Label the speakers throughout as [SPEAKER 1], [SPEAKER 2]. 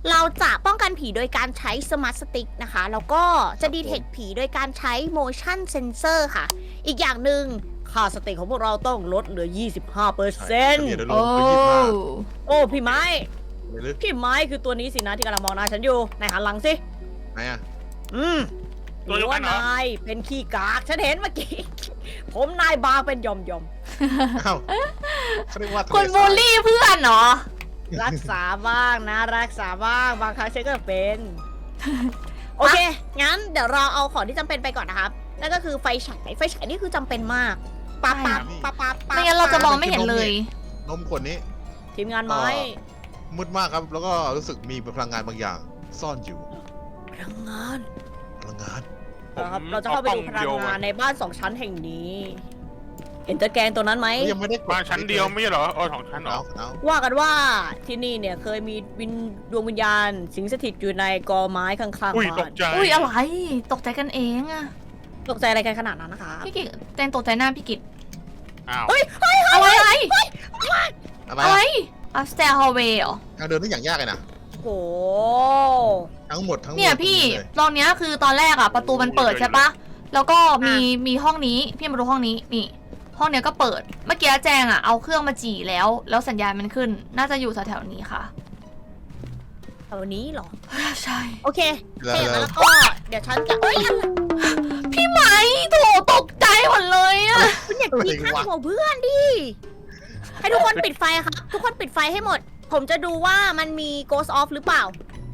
[SPEAKER 1] เราจะป้องกันผีโดยการใช้สมาร์ทสติ๊กนะคะ แล้วก็จะดีเทคผีโดยการใช้ motion sensor ค่ะ อีกอย่างหนึ่งค่าสติของพวกเราต้องลดเหลือ 25%
[SPEAKER 2] เดี๋ยวล
[SPEAKER 3] โอ้
[SPEAKER 2] งไป25
[SPEAKER 1] โอ้พี่ไม้
[SPEAKER 2] เลยหรือ
[SPEAKER 1] พี่ไม้คือตัวนี้สินะที่กำลังมองหน้าฉันอยู่นายหันหลังสิ
[SPEAKER 2] ไหนอ่ะ
[SPEAKER 1] อืม
[SPEAKER 4] ตัวเดียวกันเหรอ
[SPEAKER 1] นายเป็นขี้กากฉันเห็นเมื่อกี้ ผมนายบางเป็นหย่อม
[SPEAKER 2] อ้าวเขาเรียกว่าทะเล
[SPEAKER 3] คุณบูลลี่เพื่อนเหรอ
[SPEAKER 1] ๆรักษาบ้างนะรักษาบ้างบางครั้งฉันก็เป็น โอเค งั้นเดี๋ยวเราเอาของที่จำเป็นไปก่อนนะครับ นั่นก็คือไฟฉาย ไฟฉายนี่คือจำเป็นมากปาปาปาปาปา
[SPEAKER 3] ไม่งั้นเราจะมองไม่เห็นเลย
[SPEAKER 2] นมขวดนี้
[SPEAKER 1] ทีมงานไม้
[SPEAKER 2] มืดมากครับ แล้วก็รู้สึกมีพลังงานบางอย่าง ซ่อนอยู่
[SPEAKER 1] พลังงาน
[SPEAKER 2] พลังงาน
[SPEAKER 1] นะครับเราจะเข้าไปดูพลังงานในบ้าน2 ชั้นแห่งนี้ เห็นตะแกรงตัวนั้นไหม
[SPEAKER 2] ยังไม่ได้ก
[SPEAKER 4] บ้านชั้นเดียวไม่ใช่เหรอของชั้นเหรอ
[SPEAKER 2] เอา
[SPEAKER 1] ว่ากันว่าที่นี่เนี่ยเคยมีดวงวิญญาณ สิงสถิตอยู่ในกอไม้ข้างๆ
[SPEAKER 4] อุ้ยต
[SPEAKER 1] บ้าก น
[SPEAKER 4] ใจ
[SPEAKER 3] อุ้ยอะไร ตกใจกันเองอะ
[SPEAKER 1] ตกใจอะไรกันขนาดนั้นนะคะ
[SPEAKER 3] พี่กิตแจงตกใจหน้าพี่กิต
[SPEAKER 4] อ้าว
[SPEAKER 1] เฮ้ย
[SPEAKER 3] อะไรอะไร
[SPEAKER 2] อะไร
[SPEAKER 3] อะไร
[SPEAKER 2] อะ
[SPEAKER 3] อัพสเตอร์ฮอลเวย์เหรอ
[SPEAKER 2] ทางเดินนี่อย่างยากเลยนะ
[SPEAKER 1] โห
[SPEAKER 2] ทั้งหมด
[SPEAKER 3] เนี่ยพี่
[SPEAKER 2] เลย
[SPEAKER 3] ตอนเนี้ยคือตอนแรกอะประตูมันเปิดใช่ปะแล้วก็มีห้องนี้พี่มาดูห้องนี้นี่ ห้องเนี้ยก็เปิด เมื่อกี้แจงอะเอาเครื่องมาจี่แล้วสัญญาณมันขึ้น น่าจะอยู่แถวๆนี้ค่ะ
[SPEAKER 1] แถวนี้เหรอ
[SPEAKER 3] ใช่
[SPEAKER 1] โอเค
[SPEAKER 2] แล้
[SPEAKER 1] ถ้าอย่างนั้น
[SPEAKER 2] ว
[SPEAKER 1] แล้วก็เดี๋ยวฉันจะเอ้ย
[SPEAKER 3] พี่ไหมโถตกใจหมดเลยอะ
[SPEAKER 1] คุณอย่าคิดข้างหัวเพื่อนดิ ให้ทุกคนปิดไฟครับ ทุกคนปิดไฟให้หมด ผมจะดูว่ามันมี ghost off หรือเปล่า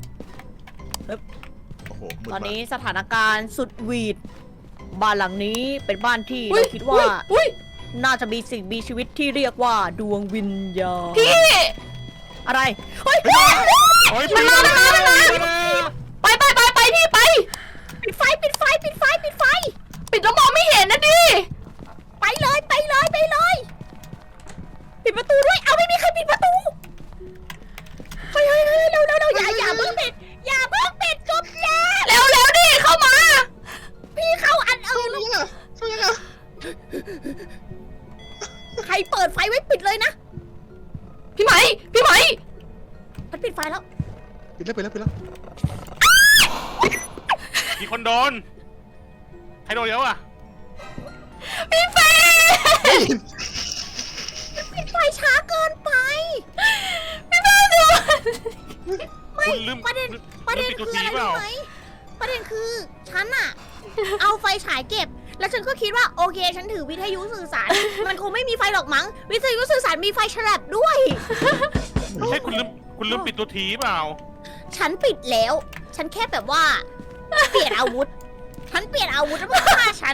[SPEAKER 2] โอ้โหมืด
[SPEAKER 1] ตอน
[SPEAKER 2] มาก
[SPEAKER 1] นี้สถานการณ์สุดหวีด บ้านหลังนี้เป็นบ้านที่
[SPEAKER 3] อุ๊ย
[SPEAKER 1] เราคิดว่า
[SPEAKER 3] อุ๊ย
[SPEAKER 1] น่าจะมีสิ่งมีชีวิตที่เรียกว่าดวงวิญญาณ
[SPEAKER 3] พี่
[SPEAKER 1] อะไร เฮ้ย
[SPEAKER 4] โอ้ย
[SPEAKER 3] มันมาไปพี่ไป
[SPEAKER 1] ปิดไฟ ปิดไฟ ปิดไฟ ปิดไฟ
[SPEAKER 3] ปิดแล้วมองไม่เห็นนะดิ
[SPEAKER 1] ไปเลย ไปเลย ไปเลย ปิดประตูด้วย เอาไม่มีใครปิดประตู เฮ้ยเร็วอย่าเพิ่งปิด อย่าเพิ่งปิดจุ๊บแย่
[SPEAKER 3] เร็วดิเข้ามา
[SPEAKER 1] พี่เข้าอันอื่นแล้ว
[SPEAKER 2] ช่วยยังไง
[SPEAKER 1] ใครเปิดไฟไว้ปิดเลยนะ
[SPEAKER 3] พี่ไหม
[SPEAKER 1] มันปิดไฟแล้ว
[SPEAKER 2] ปิดแล้ว
[SPEAKER 4] มีคนโดนใครโดนเยอะอ่ะ
[SPEAKER 3] พี่เฟย์
[SPEAKER 1] ปิดไฟช้าเกินไป
[SPEAKER 4] คุณลืม
[SPEAKER 1] ประเด็น
[SPEAKER 4] ลืมปิด
[SPEAKER 1] คื
[SPEAKER 4] ตัว
[SPEAKER 1] อ
[SPEAKER 4] ที
[SPEAKER 1] อะไร
[SPEAKER 4] เปล่า
[SPEAKER 1] รู้ไหมประเด็นคือฉันอะ เอาไฟฉายเก็บ แล้วฉันก็คิดว่าโอเค ฉันถือวิทยุสื่อสาร มันคงไม่มีไฟหรอกมั้ง วิทยุสื่อสารมีไฟฉลับด้วย
[SPEAKER 4] ไม่ใช่คุณลืมปิดตัวทีเปล่า
[SPEAKER 1] ฉันปิดแล้ว ฉันแค่แบบว่า เปลี่ยนอาวุธ ฉันเปลี่ยนอาวุธแล้วมันฆ่าฉัน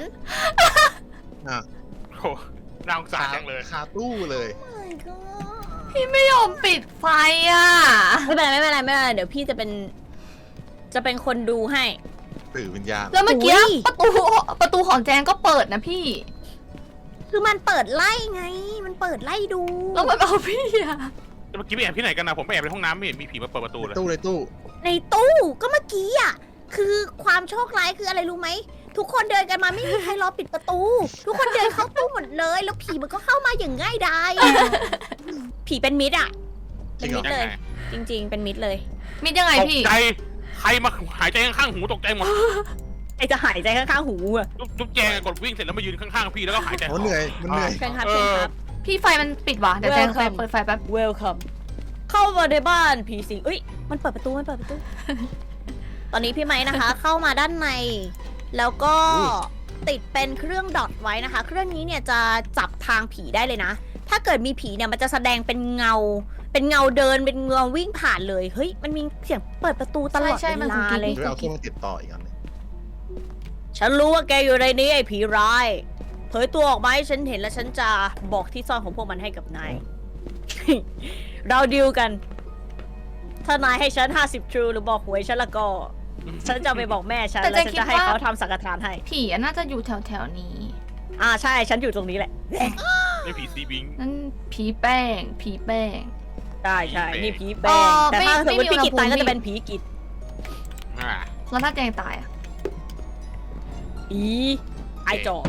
[SPEAKER 4] โอ้น่าสงสารจังเลย
[SPEAKER 2] คาตู้เลย
[SPEAKER 1] My God
[SPEAKER 3] พี่ไม่ยอมปิดไฟอ่ะ
[SPEAKER 1] ไม่เป็นไรเดี๋ยวพี่จะเป็นคนดูให้
[SPEAKER 2] สื่อวิญญาณ
[SPEAKER 3] แล้วเมื่อกี้
[SPEAKER 1] อุ๊ย
[SPEAKER 3] ประตูของแจงก็เปิดนะพี่
[SPEAKER 1] คือมันเปิดไล่ไง มันเปิดไล่ดู
[SPEAKER 3] แล้วมันเอาพี่อ่ะ
[SPEAKER 4] เมื่อกี้ไปแอบที่ไหนกันนะผมไปแอบในห้องน้ำไม่เห็นมีผีมาเปิดประตูเลย
[SPEAKER 2] ตู้เลยตู้
[SPEAKER 1] ในตู้ก็เมื่อกี้อ่ะ คือความโชคร้ายคืออะไรรู้ไหม ทุกคนเดินกันมาไม่มีใครรอปิดประตู ทุกคนเดินเข้าตู้หมดเลย แล้วผีมันก็เข้ามาอย่างง่ายดาย ผีเป็นมิตรอ่ะ เป็นมิตรเลย จริง ๆ เป็นมิตรเลย
[SPEAKER 3] มิดยังไง
[SPEAKER 4] ตก
[SPEAKER 3] พี่
[SPEAKER 4] ใจใครมาหายใจข้างๆหูตกใจหมด
[SPEAKER 1] ไอจะหายใจข้างๆหูอ่ะ
[SPEAKER 4] ลูกแจงกดวิ่งเสร็จแล้วมายืนข้างๆพี่แล้วก็หายใจ
[SPEAKER 2] มันเหนื่อย มันเหนื่อย
[SPEAKER 1] เชิญครับเชิญครับ
[SPEAKER 3] พี่ไฟมันปิดว่ะเดี๋ยวแจง
[SPEAKER 1] Welcome
[SPEAKER 3] เปิดไฟแป๊บ
[SPEAKER 1] Welcome เข้ามาในบ้านผีสิงเอ้ย มันเปิดประตู ตอนนี้พี่ไม้นะคะ เข้ามาด้านใน แล้วก็
[SPEAKER 2] อุ้ย
[SPEAKER 1] ติดเป็นเครื่องดอทไว้นะคะ เครื่องนี้เนี่ยจะจับทางผีได้เลยนะ ถ้าเกิดมีผีเนี่ยมันจะแสดงเป็นเงา เป็นเงาเดิน เป็นเงาวิ่งผ่านเลย เฮ้ย มันมีเสียงเปิดประตูตลอด
[SPEAKER 3] ใช่
[SPEAKER 1] เว
[SPEAKER 3] มัน
[SPEAKER 1] ลา
[SPEAKER 3] กุ๊กกิ๊ก
[SPEAKER 1] เลย
[SPEAKER 2] หรือเอาเครื่องมาติดต่ออีกอันหนึง
[SPEAKER 1] ฉันรู้ว่าแกอยู่ในนี้ไอ้ผีร้าย เผยตัวออกมาให้ฉันเห็นแล้วฉันจะบอกที่ซ่อนของพวกมันให้กับนาย เราดีลกัน ถ้านายให้ฉัน50 True หรือบอกหวยฉันละก็ ฉันจะไปบอกแม่ฉัน
[SPEAKER 3] แต่
[SPEAKER 1] แล้วฉัน
[SPEAKER 3] คิด
[SPEAKER 1] จะให้
[SPEAKER 3] ว่า
[SPEAKER 1] เขาทำสังฆทานให้
[SPEAKER 3] ผีอะน่าจะอยู่แถวๆนี้
[SPEAKER 1] ใช่ ฉันอยู่ตรงนี้แหละ
[SPEAKER 4] ไม่ผีซีบิง
[SPEAKER 3] นั่นผีแป้ง
[SPEAKER 1] ใช่ใช่
[SPEAKER 4] ผีเปรต
[SPEAKER 1] นี่ผีแป้งแต่ถ้าสมมติ
[SPEAKER 3] ไม่
[SPEAKER 1] พี่
[SPEAKER 3] มี
[SPEAKER 1] กิตตาย
[SPEAKER 3] อุณหภูมิ
[SPEAKER 1] ก็จะเป็นผีกิต
[SPEAKER 4] อ่า
[SPEAKER 3] แล้วถ้าแจงตายอะ
[SPEAKER 1] ไอจอ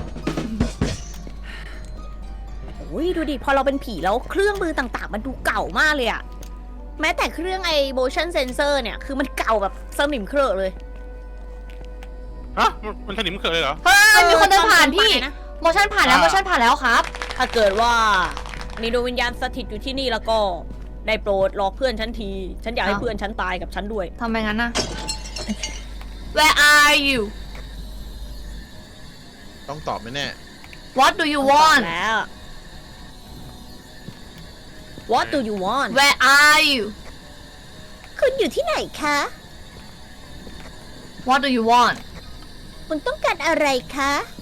[SPEAKER 1] โอ้ยดูดิ พอเราเป็นผีแล้วเครื่องมือต่างๆ มันดูเก่ามากเลยอะแม้แต่เครื่องไอ้ motion sensor เนี่ยคือมันเก่าแบบสนิมเครอะเลย
[SPEAKER 4] ฮะมันสนิมเกิดเลยเหรอ
[SPEAKER 3] เฮ้ยมีคนเดินผ่านพี่
[SPEAKER 1] นะ
[SPEAKER 3] โมชั่นผ่านแล้ว
[SPEAKER 4] อ่า
[SPEAKER 3] โมชั่นผ่านแล้วครับ
[SPEAKER 1] ถ้าเกิดว่ามีดวงวิญญาณสถิตอยู่ที่นี่แล้วก็ได้โปรดหลอกเพื่อนฉันที ฉันอยากให้
[SPEAKER 3] อ้าว
[SPEAKER 1] เพื่อนฉันตายกับฉันด้วย
[SPEAKER 3] ทำไมงั้นน่ะ Where are you
[SPEAKER 2] ต้องตอบไหมแน่
[SPEAKER 3] What do you want
[SPEAKER 1] แล้ว What do you want
[SPEAKER 3] Where are you
[SPEAKER 1] คุณอยู่ที่ไหนคะ
[SPEAKER 3] What do you want
[SPEAKER 1] คุณต้องการอะไรคะ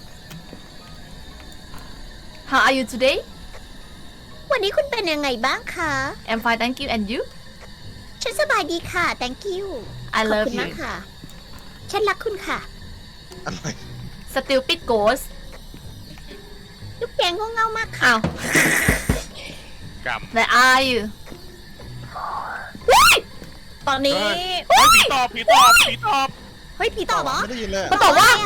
[SPEAKER 3] How are you today
[SPEAKER 1] วันนี้คุณเป็นยังไงบ้างคะ
[SPEAKER 3] I'm fine thank you and you
[SPEAKER 1] ฉันสบายดีค่ะ thank you
[SPEAKER 3] I
[SPEAKER 1] ขอบ
[SPEAKER 3] love
[SPEAKER 1] คุณ
[SPEAKER 3] you
[SPEAKER 1] มากค่ะ ฉันรักคุณค่ะ
[SPEAKER 2] อะไร
[SPEAKER 3] Stupid ghost
[SPEAKER 1] ลูกแกงก็เง่ามากค่ะ
[SPEAKER 3] อ้าว
[SPEAKER 4] กรรม
[SPEAKER 3] Where are you
[SPEAKER 1] ตอนนี้
[SPEAKER 4] เฮ้ยผีตอบผีตอบผีตอบ
[SPEAKER 1] เฮ้ยผีตอบเหรอ
[SPEAKER 2] ไม่ได้ยินเลย
[SPEAKER 3] มันตอบว่า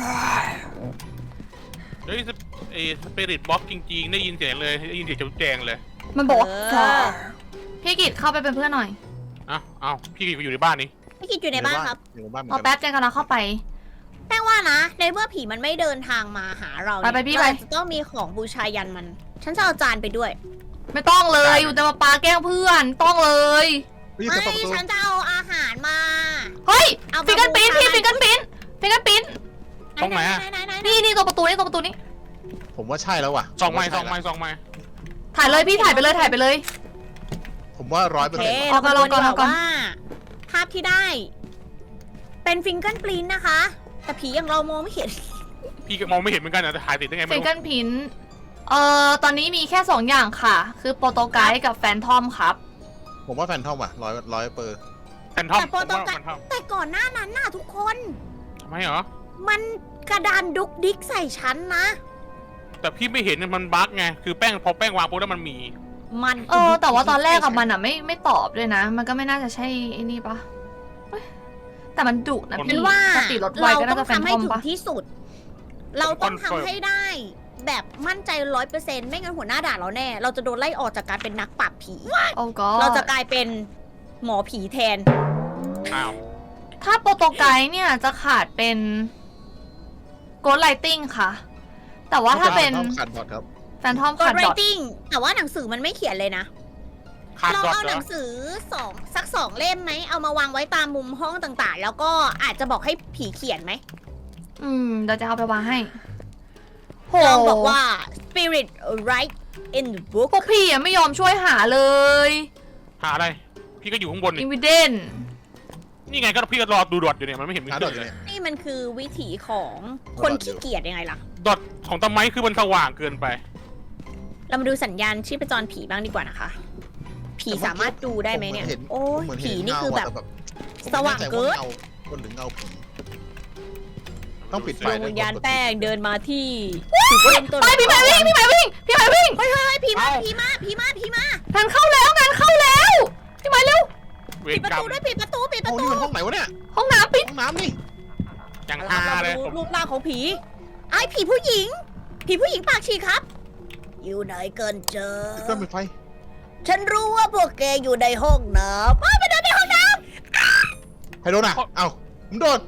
[SPEAKER 4] เฮ้ยสปิริตบ็อกจริงๆได้ยินเสียงเลยได้ยินเสียงจุ๊บแจงเลย
[SPEAKER 3] มันบอกว่า
[SPEAKER 1] เออ
[SPEAKER 3] พี่กิตเข้าไปเป็นเพื่อนหน่อย
[SPEAKER 4] อ้าวพี่อยู่ในบ้านนี่
[SPEAKER 1] พี่กิจอยู่ในบ้านครับ
[SPEAKER 2] อยู่ในบ้านเหมื
[SPEAKER 3] ร
[SPEAKER 2] อ
[SPEAKER 3] อน
[SPEAKER 2] กั
[SPEAKER 3] แป๊
[SPEAKER 2] น
[SPEAKER 3] บแจงกำลังเข้าไป
[SPEAKER 1] แป้งว่านะ ในเมื่อผีมันไม่เดินทางมาหาเราเนี่ย
[SPEAKER 3] ไปพี่ไป
[SPEAKER 1] เราจะต้องมีของบูชายันมัน ฉันจะเอาจานไปด้วย
[SPEAKER 3] ไม่ต้องเลยอยู่แต่มาปาแกล้งเพื่อนต้องเลย
[SPEAKER 2] เฮ้ย
[SPEAKER 1] ไม่
[SPEAKER 2] จะเปิดประตู
[SPEAKER 1] ฉันจะเอาอาหารมา
[SPEAKER 3] เฮ้ย
[SPEAKER 1] เอามา
[SPEAKER 3] ฟิงเกิลปิ้น
[SPEAKER 1] บูชา
[SPEAKER 3] พี่ฟิงเกิลปิ้นฟิงเกิลปิ้น
[SPEAKER 4] ต้องไหนอะ
[SPEAKER 1] ไหน
[SPEAKER 3] นี่ตัวประตูนี่ตัวประตูนี่
[SPEAKER 2] ผมว่าใช่แล้วว่ะ
[SPEAKER 4] ส่องไม้
[SPEAKER 2] ผ
[SPEAKER 4] ส่อ
[SPEAKER 2] ว่าง ใช่
[SPEAKER 4] ไม้
[SPEAKER 2] แล้ว
[SPEAKER 4] ส่องไม้
[SPEAKER 3] ถ่ายเลยพี่ถ่ายไปเลยถ่ายไปเลย
[SPEAKER 2] ผมว่า100%
[SPEAKER 1] โอเค
[SPEAKER 2] ว่ะ
[SPEAKER 3] เอาก่อน
[SPEAKER 1] เรา
[SPEAKER 3] เอาก่อน
[SPEAKER 1] ว่าภาพที่ได้ เป็นฟิงเกิลปรินท์นะคะ แต่ผีอย่างเรามองไม่เห็น
[SPEAKER 4] พี่ก็มองไม่เห็นเหมือนกันนะแต่ถ่ายติดได้ไง
[SPEAKER 3] ฟิ
[SPEAKER 4] ไม่
[SPEAKER 3] ง
[SPEAKER 4] รู้
[SPEAKER 3] เกิลพินตอนนี้มีแค่ 2 อย่างค่ะ คือโปรโตไกด์กับแฟนทอมครับ
[SPEAKER 2] ผมว่าแฟนทอมว่ะ100%
[SPEAKER 4] แฟนทอม
[SPEAKER 1] แต่โปรโตไกด์
[SPEAKER 4] แฟนทอม
[SPEAKER 1] แต่ก่อนหน้านั้นน่ะทุกคน
[SPEAKER 4] ทำไมเหรอ
[SPEAKER 1] มันกระดานดุกดิกใส่ฉันนะ
[SPEAKER 4] แต่พี่ไม่เห็นมันบั๊กไงคือแป้งพอแป้งวางปุ๊บแล้วมันมี
[SPEAKER 1] มัน
[SPEAKER 3] แต่ว่าตอนแรกกับมันอ่ะไม่ตอบด้วยนะ มันก็ไม่น่าจะใช่ไอ้นี่ปะเอ้ยแต่มันดุนะ
[SPEAKER 1] ฉั
[SPEAKER 3] พี่
[SPEAKER 1] นว่า
[SPEAKER 3] สติรถไว
[SPEAKER 1] เรา
[SPEAKER 3] ก็
[SPEAKER 1] ต้
[SPEAKER 3] น่า
[SPEAKER 1] อ
[SPEAKER 3] จะ
[SPEAKER 1] ง
[SPEAKER 3] แฟน
[SPEAKER 1] ทำ
[SPEAKER 3] ท
[SPEAKER 1] ให้
[SPEAKER 3] อม
[SPEAKER 1] ถึง
[SPEAKER 3] ปะ
[SPEAKER 1] ที่สุด เราต้อง
[SPEAKER 4] คอนเฟิร์ม
[SPEAKER 1] ทำให้ได้ แบบมั่นใจ100%ไม่งั้นหัวหน้าด่าเราแน่ เราจะโดนไล่ออกจากการเป็นนักปราบผี
[SPEAKER 3] โอ้ก็
[SPEAKER 1] เราจะกลายเป็นหมอผีแทน
[SPEAKER 4] อ้าว
[SPEAKER 3] ถ้าโปรโตไกด์เนี่ยจะขาดเป็นโกดไลติงค่ะ แต่ว่าถ้าเป็น
[SPEAKER 2] แฟนทอมขาดบอดครับ
[SPEAKER 3] แฟนทอม
[SPEAKER 1] กด
[SPEAKER 3] ขาด
[SPEAKER 1] ไร
[SPEAKER 3] ดอท
[SPEAKER 1] ติ้งแต่ว่าหนังสือมันไม่เขียนเลยนะ
[SPEAKER 4] ขาด
[SPEAKER 1] เรา
[SPEAKER 4] ดอท
[SPEAKER 1] เอา
[SPEAKER 4] เหร
[SPEAKER 1] หนั
[SPEAKER 4] อง
[SPEAKER 1] สือสักสองเล่มไหม เอามาวางไว้ตามมุมห้องต่างๆ แล้วก็อาจจะบอกให้ผีเขียนไหม
[SPEAKER 3] เดี๋ยวจะเอาไปวางให้โห
[SPEAKER 1] ลองบอกว่า spirit write in the book
[SPEAKER 3] พวกพี่อะไม่ยอมช่วยหาเลย
[SPEAKER 4] หาอะไร พี่ก็อยู่ข้างบน
[SPEAKER 3] อิ
[SPEAKER 4] นี่
[SPEAKER 3] นวิเดน
[SPEAKER 4] นี่ไงก็พี่ก็รอดูดอทอยู่เนี่ยมันไม่เห็นมี
[SPEAKER 2] หา
[SPEAKER 4] ขึ้
[SPEAKER 2] ดอท
[SPEAKER 4] น
[SPEAKER 2] อยู่
[SPEAKER 4] เลย
[SPEAKER 2] เนี่ย
[SPEAKER 1] นี่มันคือวิถีของคน
[SPEAKER 2] ดอทอยู่
[SPEAKER 1] ขี้เกียจยังไงล่ะ
[SPEAKER 4] ดอทของตะไม้คือมันสว่างเกินไป
[SPEAKER 1] เรามาดูสัญญาณชีพจรผีบ้างดีกว่านะคะ ผีสามารถดูได้ไหมเนี่ย โอ้ย
[SPEAKER 2] ผมเหมือน
[SPEAKER 1] ผี
[SPEAKER 2] เห็
[SPEAKER 1] นี่คือแบบ
[SPEAKER 2] เงะ
[SPEAKER 1] สว่างเกิน
[SPEAKER 2] ผมไม่แน่ใจว่าเงาคนหรือเงาผีต้องปิดไฟ
[SPEAKER 1] ดวงวิญญาณแป้งเดินมาที่จุด
[SPEAKER 3] เฮ้ย
[SPEAKER 1] เริ่มต้น
[SPEAKER 3] ไปพี่ไม้วิ่งพี่ไม้วิ่งพี่ไม้วิ่ง
[SPEAKER 1] เฮ้ยผีมา
[SPEAKER 4] เอ้า
[SPEAKER 1] ผีมาผีมาผีมาง
[SPEAKER 3] านเข้าแล้วงานเข้าแล้วพี่ไม้เร็ว
[SPEAKER 4] เว
[SPEAKER 1] ปิ
[SPEAKER 4] ร
[SPEAKER 1] ดประ
[SPEAKER 4] กรร
[SPEAKER 1] ตู
[SPEAKER 4] ม
[SPEAKER 1] ด้วยปิดประตูปิดป
[SPEAKER 2] โอ้
[SPEAKER 1] ระตู
[SPEAKER 2] นี่มันห้องไหนวะเนี่ย
[SPEAKER 3] ห้องน้ำปิด
[SPEAKER 2] ห้องน้ำนี่
[SPEAKER 4] อย่าง
[SPEAKER 1] เอา
[SPEAKER 4] ฮา
[SPEAKER 1] ละ
[SPEAKER 4] เลย
[SPEAKER 1] เรา
[SPEAKER 4] ผม
[SPEAKER 1] ดูรูปร่างของผีไอ้ผีผู้หญิง ผีผู้หญิงปากฉีกครับ อยู่ไหนกันเจอ
[SPEAKER 2] ปิดเครื่องปิดไฟ
[SPEAKER 1] ฉันรู้ว่าพวกแกอยู่ในห้องน้ำไปเดินในห้องน้
[SPEAKER 2] ใครโดนอ่ะ เอ้าผมโดน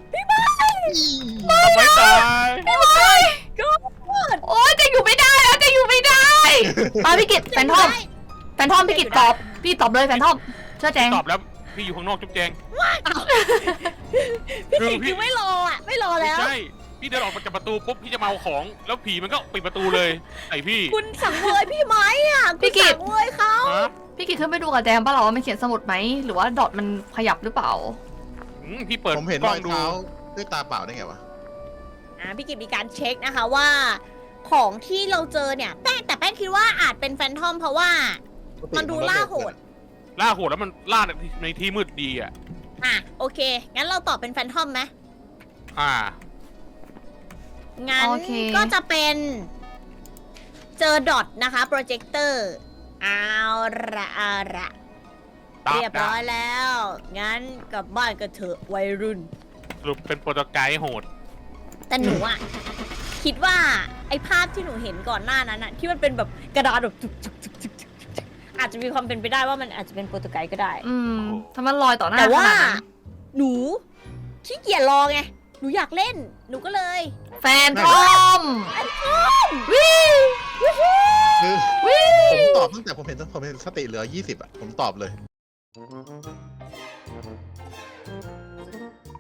[SPEAKER 4] ทำไมตาย
[SPEAKER 3] พี่ไม้โอ๊ยจะอยู่ไม่ได้แล้วจะอยู่ไม่ได้มาพี่กิต
[SPEAKER 1] ำ
[SPEAKER 3] แฟนทอมแฟนทอมพี่กิตตอบพี่ตอบเลยแฟนทอมเชื่อแจง
[SPEAKER 4] ตอบแล้วพี่อยู่ข้างนอกจุ๊บแจง
[SPEAKER 1] พี่
[SPEAKER 4] คือ
[SPEAKER 1] กิ
[SPEAKER 4] พี่
[SPEAKER 1] คือไม่รออ่ะไม่รอ
[SPEAKER 4] ไม่
[SPEAKER 1] แล้ว
[SPEAKER 4] ใช่พี่เดินออกมาจากประตูปุ๊บพี่จะมาเอาของ แล้วผีมันก็ปิดประตูเลยไอพี่
[SPEAKER 1] คุณสั่งเวยพี่ไหมอ่ะคุณสั่งเวยเขา
[SPEAKER 4] ฮะ
[SPEAKER 3] พี่กิตขึ้นไปดูกับแจงป่ะเราว่ามันเขียนสมุดไหมหรือว่าดอทมันขยับหรือเปล่า
[SPEAKER 4] พี่เปิด
[SPEAKER 2] ผมเห็น
[SPEAKER 4] ก
[SPEAKER 2] ร
[SPEAKER 4] ล้อ
[SPEAKER 2] อง ย
[SPEAKER 4] ดู
[SPEAKER 2] เท้าด้วยตาเปล่าได้ไงวะ
[SPEAKER 1] พี่กิจมีการเช็คนะคะว่า ของที่เราเจอเนี่ยแต่แป้งคิดว่าอาจเป็นแฟนทอมเพราะว่า มันดูล่าโหด
[SPEAKER 4] ล่าโหดแล้วมันล่าในที่มืดดีอ่ะ
[SPEAKER 1] โอเค งั้นเราตอบเป็นแฟนทอมไหม
[SPEAKER 4] อ่า
[SPEAKER 1] งั้น
[SPEAKER 3] โอเค
[SPEAKER 1] ก็จะเป็นเจอดอทนะคะโปรเจคเตอร์เอาละ
[SPEAKER 4] ตาม
[SPEAKER 1] เรียบร้อยแล้ว งั้นกลับบ้านกันเถอะวัยรุ่น
[SPEAKER 4] สรุปเป็นโปรโตไกด์โหด
[SPEAKER 1] แต่หนูอะ คิดว่าไอ้ภาพที่หนูเห็นก่อนหน้านั้นอะที่มันเป็นแบบกระดาษแบบจุกอาจจะมีความเป็นไปได้ว่ามันอาจจะเป็นโปรตุไกส์ก็ได้
[SPEAKER 3] ถ้ามันลอยต่อหน้า
[SPEAKER 1] แต่ว่า
[SPEAKER 3] ขนดนั้น
[SPEAKER 1] หนูขี้เกียจรอไง หนูอยากเล่น หนูก็เลย
[SPEAKER 3] แฟนทอมวิว
[SPEAKER 2] คือ
[SPEAKER 3] วิ
[SPEAKER 2] ผม
[SPEAKER 3] ว
[SPEAKER 2] ตอบตั้งแต่ผมเห็นสติเหลือ 20 อ่ะ ผมตอบเลย